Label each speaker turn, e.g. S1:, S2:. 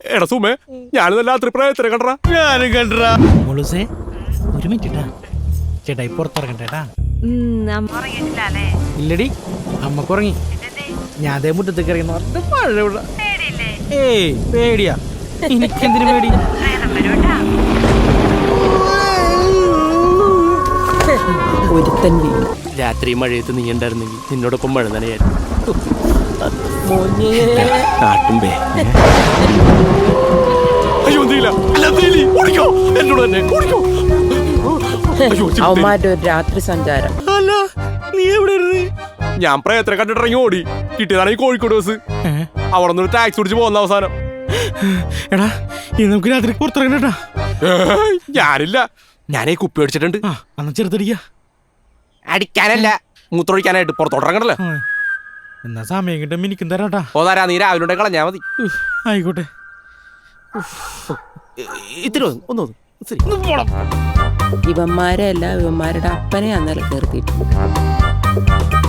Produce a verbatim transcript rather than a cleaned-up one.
S1: എടാ സുമേ, ഞാനിന്ന് രാത്രി പ്രേതത്തിനെ കണ്ടറാ.
S2: ഞാനും കണ്ടറാ.
S3: മുളുസേ ഒരു മിനിറ്റ് ചേട്ടായി പുറത്തിറങ്ങട്ടേട്ടാ. ഇല്ലടി അമ്മക്ക് ഉറങ്ങി. ഞാൻ അതേ മുറ്റത്തേക്ക് ഇറങ്ങി മഴ. ഏയ് പേടിയാ, എനിക്കെന്തിനു പേടി?
S1: രാത്രി മഴയത്ത് നീ ഉണ്ടായിരുന്നെങ്കിൽ നിന്നോടൊപ്പം മഴ നനയായിരുന്നു.
S4: അവന്മാരുടെ ഒരു രാത്രി സഞ്ചാരം.
S1: അല്ല, നീ എവിടെ? ഞാൻ പ്രയത്നം കണ്ടിട്ടിറങ്ങി ഓടി. കിട്ടിയതാണ് ഈ കോഴിക്കോട് ബസ്. അവിടെ നിന്ന് ടാക്സി പിടിച്ച് പോകുന്ന അവസാനം.
S3: എടാ ഇനി നമുക്ക് രാത്രി പുറത്തിറങ്ങട്ടാ.
S1: ഞാനില്ല, ഞാനേ കുപ്പി അടിച്ചിട്ടുണ്ട്.
S3: അന്ന് ചെറുതടിക്ക
S1: അടിക്കാനല്ല, മൂത്രമൊഴിക്കാനായിട്ട് പുറത്തോട്ടിറങ്ങണല്ലോ.
S3: എന്നാ സമയം കിട്ടും എനിക്കും തരാട്ടാ.
S1: ഓ തരാ, നീ രാവിലെ കളഞ്ഞാ മതി.
S3: ആയിക്കോട്ടെ.
S1: ഇത്തിരി ഒന്ന്
S4: ഇവന്മാരെ അല്ല, ഇവന്മാരുടെ അപ്പനെ അന്നേരം കയറിയിട്ട്